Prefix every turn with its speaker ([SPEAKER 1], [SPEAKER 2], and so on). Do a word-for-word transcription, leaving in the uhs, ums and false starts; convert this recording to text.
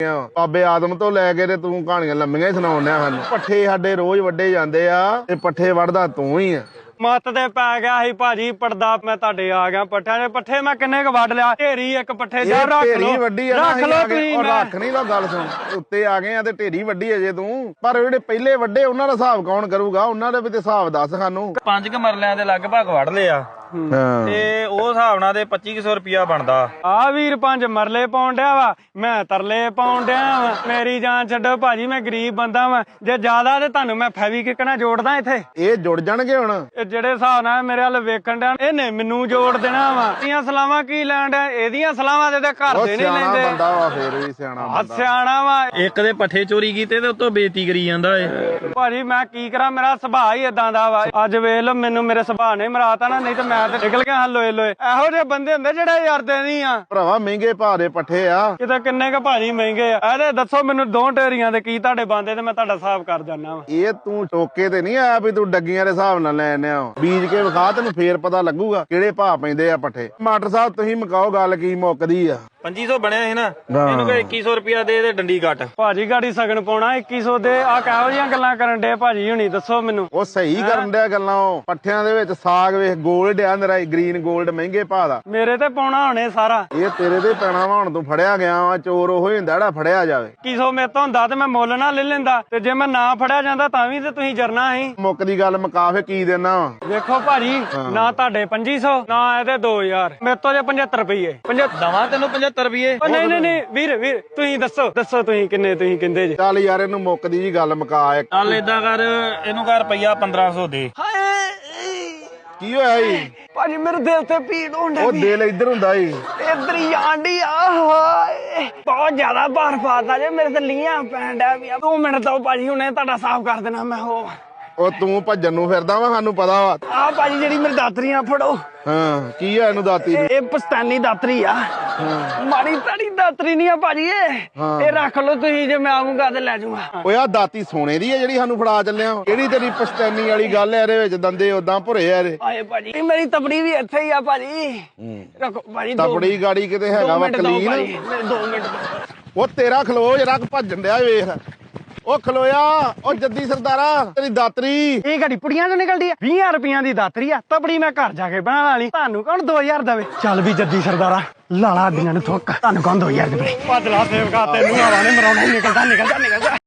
[SPEAKER 1] ਬਾਬੇ ਆਦਮ ਤੋਂ ਲੈ ਕੇ ਤੇ ਤੂੰ ਕਹਾਣੀਆਂ ਲੰਮੀਆਂ ਹੀ ਸੁਣਾਉਣ ਡਿਆ ਸਾਨੂੰ। ਪੱਠੇ ਸਾਡੇ ਰੋਜ਼ ਵੱਡੇ ਜਾਂਦੇ ਆ ਤੇ ਪੱਠੇ ਵੜਦਾ ਤੂੰ ਹੀ ਆ।
[SPEAKER 2] ਮੱਤ ਤੇ ਪੈ ਗਿਆ ਸੀ ਭਾਜੀ ਪੜਦਾ ਮੈਂ ਤੁਹਾਡੇ ਆ ਗਿਆ ਪੱਠਿਆਂ ਦੇ ਪੱਠੇ ਮੈਂ ਕਿੰਨੇ ਕ ਵੱਢ ਲਿਆ ਢੇਰੀ ਇੱਕ ਪੱਠੇ ਜਾ ਰੱਖ ਲੋ
[SPEAKER 1] ਵੱਡੀ ਆ
[SPEAKER 2] ਰੱਖ ਲੋ ਤੁਸੀਂ
[SPEAKER 1] ਉਹ ਰੱਖ ਨਹੀਂ ਲੋ ਗੱਲ ਸੁਣ ਉੱਤੇ ਆ ਗਏ ਆ ਤੇ ਢੇਰੀ ਵੱਡੀ ਅਜੇ ਤੂੰ ਪਰ ਜਿਹੜੇ ਪਹਿਲੇ ਵੱਡੇ ਉਹਨਾਂ ਦਾ ਹਿਸਾਬ ਕੌਣ ਕਰੂਗਾ ਉਹਨਾਂ ਦੇ ਵੀ ਤੇ ਹਿਸਾਬ ਦੱਸ ਸਾਨੂੰ।
[SPEAKER 3] ਪੰਜ ਕ ਮਰਲਿਆਂ ਦੇ ਲਗਭਗ ਵੜ ਲਿਆ ਤੇ ਉਹ ਹਿਸਾਬ ਨਾਲ ਤੇ ਪੱਚੀ ਸੌ ਰੁਪਿਆ ਬਣਦਾ।
[SPEAKER 2] ਆ ਵੀਰ ਪੰਜ ਮਰਲੇ ਪਾਉਣ ਡਿਆ ਵਾ ਮੈਂ ਤਰਲੇ ਪਾਉਣ ਡਿਆ ਵਾ। ਮੇਰੀ ਜਾਨ ਛੱਡੋ ਭਾਜੀ ਮੈਂ ਗਰੀਬ ਬੰਦਾ ਵਾ ਜੇ ਜ਼ਿਆਦਾ ਤੇ ਤੁਹਾਨੂੰ ਮੈਂ ਫੈਵੀਕਿਕ ਨਾਲ ਜੋੜਦਾ ਇੱਥੇ।
[SPEAKER 1] ਇਹ ਜੁੜ ਜਾਣਗੇ ਹੁਣ
[SPEAKER 2] ਇਹ ਜਿਹੜੇ ਹਿਸਾਬ ਨਾਲ ਮੇਰੇ ਵੱਲ ਵੇਖਣ ਡਿਆ ਇਹਨੇ ਮੈਨੂੰ ਜੋੜ ਦੇਣਾ ਵਾ। ਇਹਦੀਆਂ ਸਲਾਵਾਂ ਕੀ ਲੈਣ ਡਿਆ ਇਹਦੀਆਂ ਸਲਾਵਾਂ ਦੇ ਘਰ ਦੇ ਨਹੀਂ ਲੈਂਦੇ।
[SPEAKER 1] ਬੰਦਾ ਵਾ ਫੇਰ ਵੀ ਸਿਆਣਾ ਬੰਦਾ
[SPEAKER 2] ਸਿਆਣਾ ਵਾ।
[SPEAKER 3] ਇੱਕ ਦੇ ਪੱਠੇ ਚੋਰੀ ਕੀਤੇ ਤੇ ਉਤੋਂ ਬੇਇੱਜ਼ਤੀ ਕਰੀ ਜਾਂਦਾ ਏ।
[SPEAKER 2] ਭਾਜੀ ਮੈਂ ਕੀ ਕਰਾਂ ਮੇਰਾ ਸੁਭਾਅ ਹੀ ਏਦਾਂ ਦਾ ਵਾ। ਅੱਜ ਵੇਖ ਲੋ ਮੈਨੂੰ ਮੇਰੇ ਸੁਭਾਅ ਨੇ ਮਰਾਤਾ ਨਾ ਨਹੀਂ ਤੇ ਮੈਂ ਤੇ ਨਿਕਲ ਗਿਆ ਲੋਏ ਲੋਏ। ਇਹੋ ਜਿਹੇ ਬੰਦੇ ਹੁੰਦੇ ਜਿਹੜੇ ਯਾਰਦੇ ਨਹੀਂ ਆ
[SPEAKER 1] ਭਰਾਵਾ ਮਹਿੰਗੇ ਭਾਅ ਦੇ ਪੱਠੇ ਆ
[SPEAKER 2] ਕਿਤੇ ਕਿੰਨੇ ਕ ਭਾਜੀ ਮਹਿੰਗੇ ਆ। ਇਹਦੇ ਦੱਸੋ ਮੈਨੂੰ ਦੋ ਢੇਰੀਆਂ ਦੇ ਕੀ ਤੁਹਾਡੇ ਬੰਦੇ ਤੇ ਮੈਂ ਤੁਹਾਡਾ ਹਿਸਾਬ ਕਰ ਜਾਨਾ ਵਾ।
[SPEAKER 1] ਇਹ ਤੂੰ ਟੋਕੇ ਤੇ ਨਹੀਂ ਆਇਆ ਵੀ ਤੂੰ ਡੱਗੀਆਂ ਦੇ ਹਿਸਾਬ ਨਾਲ ਲੈਣੇ ਆ ਬੀਜ ਕੇ ਵਿਖਾ ਤੈਨੂੰ ਫੇਰ ਪਤਾ ਲੱਗੂਗਾ ਕਿਹੜੇ ਭਾਅ ਪੈਂਦੇ ਆ ਪੱਠੇ। ਮਾਸਟਰ ਸਾਹਿਬ ਤੁਸੀਂ ਮਕਾਓ ਗੱਲ ਕੀ ਮੁੱਕਦੀ ਆ।
[SPEAKER 3] ਪੰਜੀ ਸੌ ਬਣਿਆ ਸੀ ਨਾ ਇਹਨੂੰ ਕੋਈ ਇੱਕੀ ਸੌ ਰੁਪਿਆ ਦੇ ਤੇ ਡੰਡੀ ਕੱਟ।
[SPEAKER 2] ਭਾਜੀ ਗਾੜੀ ਸਗਨ ਪਾਉਣਾ ਇੱਕੀ ਸੌ ਦੇ ਆ ਕਿਹੋ ਜਿਹੀਆਂ ਗੱਲਾਂ ਕਰਨ ਡੇ ਭਾਜੀ ਹੁਣੀ ਦੱਸੋ ਮੈਨੂੰ।
[SPEAKER 1] ਉਹ ਸਹੀ ਕਰਨ ਡਿਆ ਗੱਲਾਂ ਉਹ ਪੱਠਿਆਂ ਦੇ ਵਿੱਚ ਸਾਗ ਵੇਖ ਗੋਲਡ ਆ ਨਰਾ ਗ੍ਰੀਨ ਗੋਲਡ ਮਹਿੰਗੇ ਭਾਅ ਦਾ।
[SPEAKER 2] ਮੇਰੇ ਤੇ ਪਾਉਣਾ ਹੁਣੇ ਸਾਰਾ
[SPEAKER 1] ਇਹ ਤੇਰੇ ਤੇ ਪੈਣਾ ਵਾ ਹੁਣ ਤੂੰ ਫੜਿਆ ਗਿਆ ਵਾ ਚੋਰ ਉਹ ਹੀ ਹੁੰਦਾ ਜਿਹੜਾ ਫੜਿਆ ਜਾਵੇ।
[SPEAKER 2] ਇੱਕੀ ਸੌ ਮੇਰੇ ਤੋਂ ਹੁੰਦਾ ਤੇ ਮੈਂ ਮੁੱਲ ਨਾ ਲੈ ਲੈਂਦਾ ਤੇ ਜੇ ਮੈਂ ਨਾ ਫੜਿਆ ਜਾਂਦਾ ਤਾਂ ਵੀ ਤੇ ਤੁਸੀਂ ਜਰਨਾ ਸੀ।
[SPEAKER 1] ਮੁੱਕਦੀ ਗੱਲ ਮੁਕਾ ਫੇ ਕੀ ਦੇਣਾ ਵਾ।
[SPEAKER 2] ਵੇਖੋ ਭਾਜੀ ਨਾ ਤੁਹਾਡੇ ਪੰਜੀ ਸੌ ਨਾ ਇਹਦੇ ਦੋ ਹਜ਼ਾਰ ਮੇਰੇ ਤੋਂ ਜੇ ਪਝੱਤਰ ਰੁਪਈਏ
[SPEAKER 3] ਦਵਾਂ ਤੈਨੂੰ ਪਝੱਤਰ ਰੁਪਈਏ।
[SPEAKER 2] ਨਹੀਂ ਨਹੀਂ ਨਹੀਂ ਵੀਰ ਵੀਰ ਤੁਸੀਂ ਦੱਸੋ ਦੱਸੋ ਤੁਸੀਂ ਕਿੰਨੇ ਤੁਸੀਂ ਕਹਿੰਦੇ ਜੇ।
[SPEAKER 1] ਚੱਲ ਯਾਰ ਇਹਨੂੰ ਮੁੱਕਦੀ ਜੀ ਗੱਲ ਮੁਕਾ ਇੱਕ।
[SPEAKER 3] ਚੱਲ ਏਦਾਂ ਕਰ ਇਹਨੂੰ ਕਰ ਰੁਪਈਆ ਪੰਦਰਾਂ ਸੌ ਦੇ।
[SPEAKER 1] ਕੀ ਹੋਇਆ ਜੀ
[SPEAKER 2] ਭਾਜੀ ਮੇਰੇ ਦਿਲ ਤੇ ਪੀੜ ਹੋਣ
[SPEAKER 1] ਉਹ ਦਿਲ ਇੱਧਰ ਹੁੰਦਾ ਜੀ
[SPEAKER 2] ਇੱਧਰ ਹੀ ਆਂਡੀ ਆ ਹਾਏ ਬਹੁਤ ਜ਼ਿਆਦਾ ਭਾਰ ਪਾਤਾ ਜੇ ਮੇਰੇ ਤੇ ਲੀਆਂ ਪੈਣ ਡਿਆ ਵੀ ਦੋ ਮਿੰਟ ਤੋਂ ਭਾਜੀ ਹੁਣੇ ਤੁਹਾਡਾ ਸਾਫ਼ ਕਰ ਦੇਣਾ ਮੈਂ ਉਹ।
[SPEAKER 1] ਉਹ ਤੂੰ ਭੱਜਣ ਨੂੰ ਫਿਰਦਾ ਵਾ ਸਾਨੂੰ ਪਤਾ ਵਾ।
[SPEAKER 2] ਆ ਭਾਜੀ ਜਿਹੜੀ ਮੇਰੀ ਦਾਤਰੀਆਂ ਫੜੋ।
[SPEAKER 1] ਹਾਂ ਕੀ ਆ ਇਹਨੂੰ ਦਾਤੀ ਨੂੰ।
[SPEAKER 2] ਇਹ ਪਸਤਾਨੀ ਦਾਤਰੀ ਆ ਮਾੜੀ ਤਾੜੀ ਦਾਤਰੀ ਨਹੀਂ ਆ ਭਾਜੀ ਇਹ ਇਹ ਰੱਖ ਲਓ ਤੁਸੀਂ ਜੇ ਮੈਂ ਆਉਂਗਾ ਤੇ ਲੈ ਜਾਊਂਗਾ।
[SPEAKER 1] ਓਏ ਆ ਦਾਤੀ ਸੋਨੇ ਦੀ ਆ ਜਿਹੜੀ ਸਾਨੂੰ ਫੜਾ ਚੱਲਿਆ ਕਿਹੜੀ ਤੇਰੀ ਪਸਤੈਨੀ ਵਾਲੀ ਗੱਲ ਐ ਇਹਦੇ ਵਿੱਚ ਦੰਦੇ ਉਦਾਂ ਭੁਰੇ ਆ ਇਹਦੇ।
[SPEAKER 2] ਆਏ ਭਾਜੀ ਮੇਰੀ ਤਪੜੀ ਵੀ ਇੱਥੇ ਹੀ ਆ ਭਾਜੀ ਰੱਖੋ ਭਾਜੀ।
[SPEAKER 1] ਤਪੜੀ ਗਾੜੀ ਕਿਤੇ ਹੈਗਾ ਵਾ ਕਲੀਨ
[SPEAKER 2] ਦੋ ਮਿੰਟ
[SPEAKER 1] ਉਹ ਤੇਰਾ ਖਲੋ ਜਰਾ ਭੱਜਣ ਡਿਆ ਵੇਖ ਉਹ ਖਲੋਇਆ ਉਹ ਜੱਦੀ ਸਰਦਾਰਾ ਤੇਰੀ ਦਾਤਰੀ
[SPEAKER 2] ਇਹ ਘੜੀ ਪੁੜੀਆਂ ਤੋਂ ਨਿਕਲਦੀ ਆ ਵੀਹ ਰੁਪਈਆਂ ਦੀ ਦਾਤਰੀ ਆ ਤਪੜੀ ਮੈਂ ਘਰ ਜਾ ਕੇ ਬਣਾ ਲਾਲੀ ਤੁਹਾਨੂੰ ਕੌਣ ਦੋ ਹਜ਼ਾਰ ਦੇਵੇ। ਚੱਲ ਵੀ ਜੱਦੀ ਸਰਦਾਰਾ ਲਾਲਾ ਦੀਆਂ ਨੂੰ ਥੁੱਕ ਤੁਹਾਨੂੰ ਕੌਣ ਦੋ ਹਜ਼ਾਰ ਦੇਵੇ। ਭੱਜ ਲਾ ਸੇਵਕਾ ਤੈਨੂੰ ਆਵਾ ਨੇ ਮਰਾਉਣਾ ਨਿਕਲਦਾ ਨਿਕਲਦਾ ਨਿਕਲਦਾ।